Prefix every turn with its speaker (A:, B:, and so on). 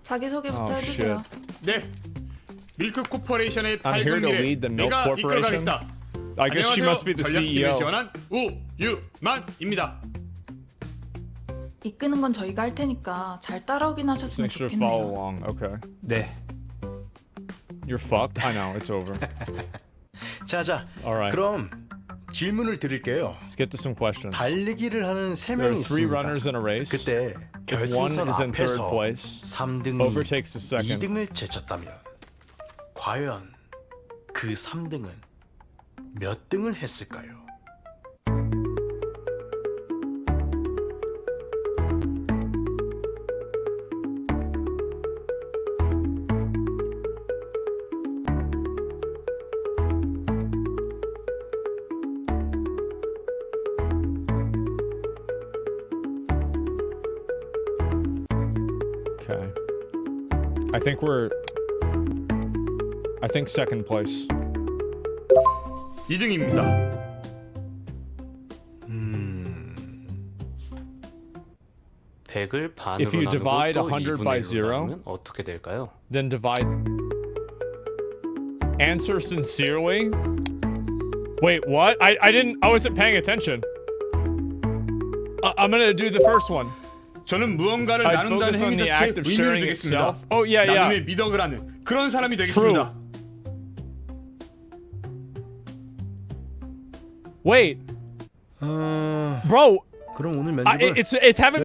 A: 자기소개부터
B: Oh,
A: 해주세요.
B: shit.
C: 네, 밀크 코퍼레이션의
B: I'm here
C: 밝은
B: to
C: 미래
B: lead the Milk
C: 내가
B: Corporation.
C: 이끌어가겠다.
B: I guess she must be the
C: 전략팀을
B: CEO.
C: 지원한 우유만입니다.
A: 이끄는 건 저희가 할 테니까 잘 따라오긴 하셨으면
B: Make sure to follow
A: 좋겠네요.
B: along. Okay.
C: 네.
B: You're fucked. I know. It's over.
D: 자자,
B: Alright.
D: 그럼 질문을 드릴게요.
B: Let's get to some questions.
D: 달리기를 하는 세
B: There
D: 명이
B: are three
D: 있습니다.
B: runners in a race.
D: 그때
B: If one
D: 결승선
B: is in third
D: 앞에서
B: place,
D: 3등이
B: overtakes the second.
D: 2등을 제쳤다면 과연 그 3등은 몇 등을 했을까요?
B: Okay. I think second place.
C: 2등입니다.
E: 백을 반으로
B: If you
E: 나누고
B: divide
E: 또
B: 100 by
E: 2분의 1로
B: zero,
E: 나누면 어떻게 될까요?
B: Then divide. Answer sincerely. Wait, what? I wasn't paying attention. I'm gonna do the first one.
C: 저는 무언가를
B: I'd
C: 나눈다는
B: focus on
C: 행위
B: the
C: 자체에
B: act of
C: 의미를
B: sharing
C: 두겠습니다.
B: itself. Oh, yeah, yeah.
C: 나눔의 미덕을 하는 그런 사람이 되겠습니다.
B: Wait, bro.
D: 그럼 오늘 면접은
B: It's having